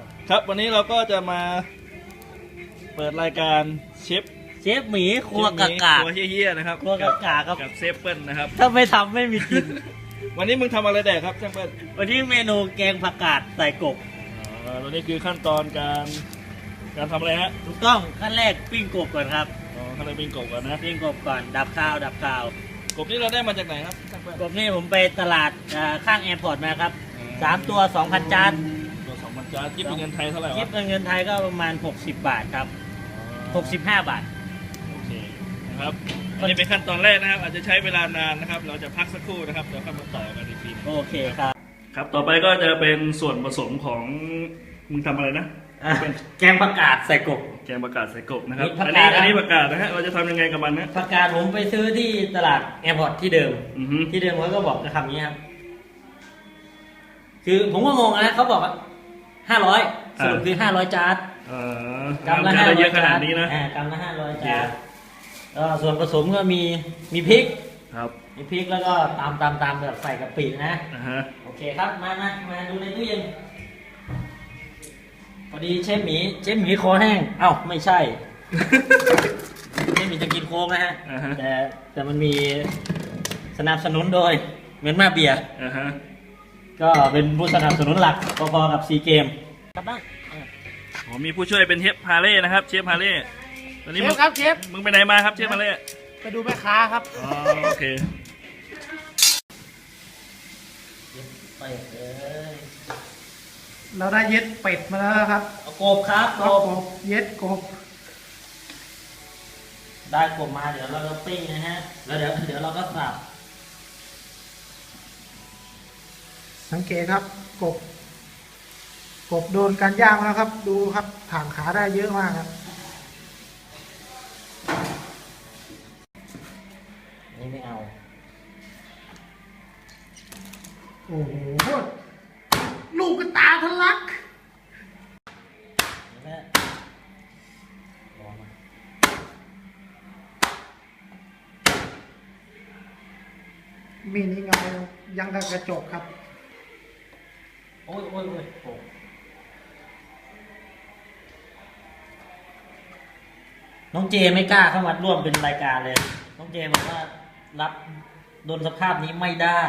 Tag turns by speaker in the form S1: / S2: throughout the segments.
S1: ครับวันนี้เราก็จะมาเปิดรายการเชฟ
S2: หมีครัวกากา
S1: ครัวเฮี้ยๆนะครับ
S2: ครัวกากาครับ
S1: กับเซฟเปิลนะครับ
S2: ถ้าไม่ทำไม่มีกิน
S1: วันนี้มึงทำอะไรแดกครับเซฟเปิล
S2: วันนี้เมนูแกงผักกาดใส่กบ
S1: ตัวนี้คือขั้นตอนการทำอะไรฮะ
S2: ถูกต้องขั้นแรกปิ้งกบก่อนครับ
S1: ขั้นตอนปิ้งกบก่อนนะ
S2: ปิ้งกบก่อนดับข้าว
S1: กบนี่เราได้มาจากไหนครับเซฟเปิล
S2: กบนี่ผมไปตลาดข้างแอร์พอร์ตมาครับ3 ตัว 2,000 จาน
S1: ตัว2,000 จานคิดเป็นเงินไทยเท่าไหร่
S2: คิด
S1: วะ
S2: เป็นเงินไทยก็ประมาณ60 บาทครับ65 บาท
S1: โอเคนะครับอันนี้เป็นขั้นตอนแรกนะครับ อาจจะใช้เวลานานนะครับ เราจะพักสักครู่นะครับเดี๋ยวค่อยมาต่อกันอีกที
S2: โอเคครับ
S1: ครับต่อไปก็จะเป็นส่วนผสมของมึงทำอะไรนะ
S2: แกงผักกาดใส่กบ
S1: แกงผักกาดใส่กบนะครับ
S2: นี่ผัก
S1: อัน
S2: กา
S1: นี้
S2: ด
S1: อันนี้ผักกาดนะฮะเราจะทำยังไงกับมันนะ
S2: ผักกาดผมไปซื้อที่ตลาดแอร์พอร์ตที่เดิม
S1: อือฮึ
S2: ที่เดิมเขาก็บอกจะทำนี้ครับ คือผมก็งงนะเขาบอกว่า500สรุปคือ500 จาน
S1: กำละเยอะขนาดนี้นะ
S2: กำละ500 จานส่วนผสมก็มีพริก
S1: ครับ
S2: มีพริกแล้วก็ตามแบบใส่กะปินะ
S1: ฮะ
S2: โอเคครับมาดูในตู้เย็นพอดีเชฟหมีคอแห้งเอ้าไม่ใช่ เชฟหมีจะกินโค้กนะฮะแต่มันมีสนับสนุนโดยเหมือนมาเบียร์
S1: ฮะ
S2: ก็เป็นผู้สนับสนุนหลักพอๆกับซีเกมครับบ้าง
S1: มีผู้ช่วยเป็นเชฟพาเล่นะครับเชฟพาเล่ตอนนี้
S3: เชฟครับเชฟ
S1: มึงไปไหนมาครับเชฟพาเล่
S3: ไปดูแม่ค้าครับ
S1: โอเค
S2: ไปเลย
S3: เราได้เย็ดเป็ดมาแล้วครับ
S2: เอากบครับ
S3: ก็กบเย็ดกบ
S2: ได้กบมาเดี๋ยวเราก็ปิ้งนะฮะแล้วเดี๋ยวเราก็สับ
S3: สังเกตครับกบโดนการย่างแล้วครับ ดูครับถ่างขาได้เยอะมากครับ
S2: นี่ไม่เอา
S3: โอ้โหลูกกระตาทะลัก
S2: นี่แม่ร้อนมาก
S3: มีนี่เงายังกับกระจกครับ
S2: โอ้ยโอ้น้องเจไม่กล้าเข้ามาร่วมเป็นรายการเลย น้องเจบอกว่ารับโดนสภาพนี้ไม่ได้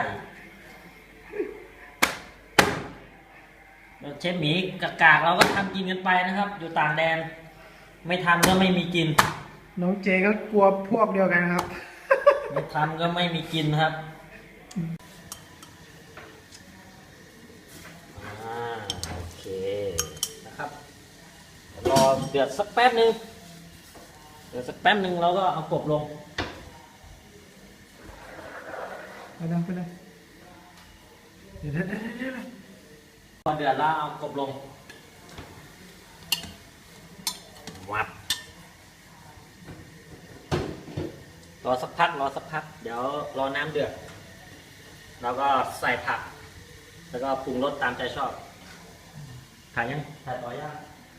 S2: เชฟหมีกากเราก็ทำกินกันไปนะครับ อยู่ต่างแดน ไม่ทำก็ไม่มีกิน
S3: น้องเจก็กลัวพวกเดียวกันครับ
S2: ไม่ทำก็ไม่มีกินครับโอเคนะครับรอเดือดสักแป๊บนึงเราก็เอากบลง
S3: ไปเลยเดี๋ยว
S2: พอเดือดแล้วเอากบลงวับรอสักพักเดี๋ยวรอน้ำเดือดแล้วก็ใส่ผักแล้วก็ปรุงรสตามใจชอบถ่ายยังถ่ายต่อย่าง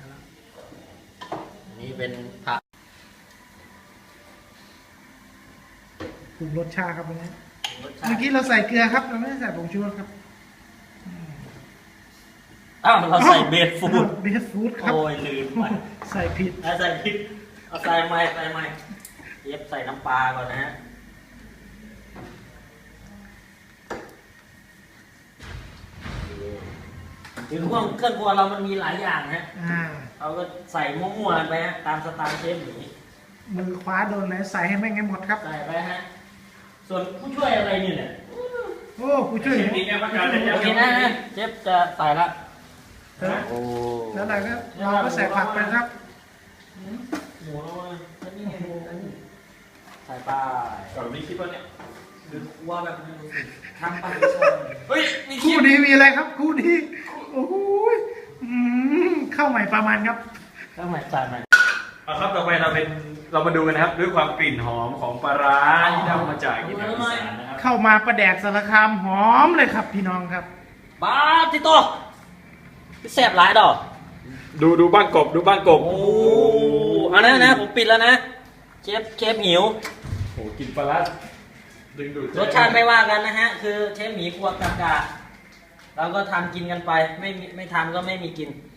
S2: อันนี้เป็นผัก
S3: ปรุงรสชาติครับวันนี้
S2: รสชา
S3: เมื่อ
S2: ติ
S3: กี้เราใส่เกลือครับ เราไม่ได้ใส่ผงชูรสครับ
S2: อ้าวเราใส่เบสฟูด
S3: เบสฟูดครับ
S2: โอ้ยลืมไป
S3: ใส่ผิด
S2: ใส่พริกเอาใส่ใหม่เย็บใส่น้ำปลาก่อนนะฮะถึงพวกเครื่องครัวเรามันมีหลายอย่างนะ เราก็ใส่มั่วๆกันไปฮะตามสไตล์เชฟหมี
S3: มือคว้าโดนไหนใส่ให้แม่งให้หมดครับ
S2: ใส่ไปฮะส่วนผู้ช่วยอะไรนี่แหละ
S3: โอ้ผู้ช่วย
S1: มีแกงผักกาด
S2: โอเคนะเชฟจะใส่ละโอ้
S3: แล้วเราก็ใส่ผักไปครับ
S2: หมูแล้วนี่ไงหมูใส่ไป
S1: ก่อนมีคลิปป่ะเนี่ย
S2: คือว่าแบบทำไป
S1: เฮ้ยมีคลิ
S3: คู่
S1: ป
S3: นี้มีอะไรครับคู่นี้โอ้โหเข้าใหม่ประมาณครับ
S2: ก็ใหม่ใส่ใหม่
S1: ครับต่อไปเรามาดูกันนะครับด้วยความกลิ่นหอมของปลาร้าที่ได้มาจากอีสานนะครับ
S3: เข้ามาประแดกสารคามหอมเลยครับพี่น้องครับ
S2: บ้าติโตแสบหลายดอก
S1: ดูบ้านกบ
S2: โอ้เอานะผมปิดแล้วนะเชฟหิว
S1: โอ้กลิ่นปลาร้าดึงดูด
S2: รสชาติไม่ว่ากันนะฮะ คือเชฟหมีครัวกากาเราก็ทำกินกันไป ไม่ทำก็ไม่มีกิน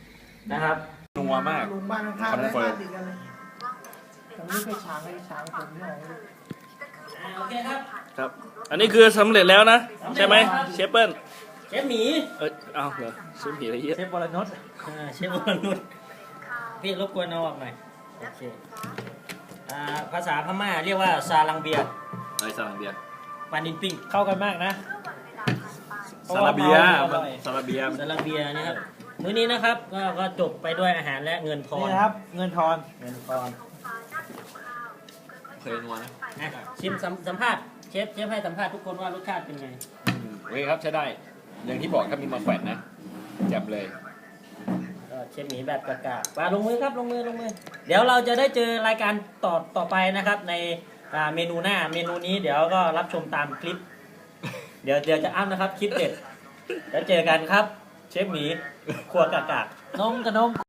S2: นะครับ
S4: นัวมาก
S3: ลุงบ้านข้างๆได้
S4: คอนเฟิร์
S3: บ้าม นติดกันเลยแต่ไม่เคยช้างเลยช้างผมเนี่ย
S2: โอเคครับ
S1: ครับ อันนี้คือสำเร็จแล้วนะ ใช่ไหมเชฟเปิ้ล
S2: เชฟหมี
S1: เอาเหรอเชฟผีอะไรเยอะ
S3: เชฟบอลนุช
S2: เชฟวรนุชพี่รบกวนเอาออกหน่อยโอเคภาษาพม่าเรียกว่าซาลังเบีย
S4: ไอ้ซาลังเบีย
S2: ปานินปิ้ง
S3: เข้ากันมากนะ
S4: ซาลาเบีย
S3: อร่อย
S4: ซาลาเบีย
S2: ซาลังเบียนะครับมื้อนี้นะครับก็จบไปด้วยอาหารและเงินทอ
S3: นี่
S2: น
S3: นะครับ เงินทอน
S2: เงินทอน
S4: เคยนัวนะ
S2: นะชิมสัมภาษณ์เชฟให้สัมภาษณ์ทุกคนว่ารสชาติเป็นไง
S4: โอเคครับใช้ได้ อย่างที่บอกครับมีมาแขวนนะแจ่มเลย
S2: ก็เชฟหมีแบบกากๆมาลงมือครับลงมือ เดี๋ยวเราจะได้เจอรายการต่อไปนะครับในเมนูหน้าเมนูนี้เดี๋ยวก็รับชมตามคลิป เดี๋ยวจะอัพนะครับคลิปเด็ดแล้วเจอกันครับ เชฟหมีครัวกากๆ
S3: นมกับนม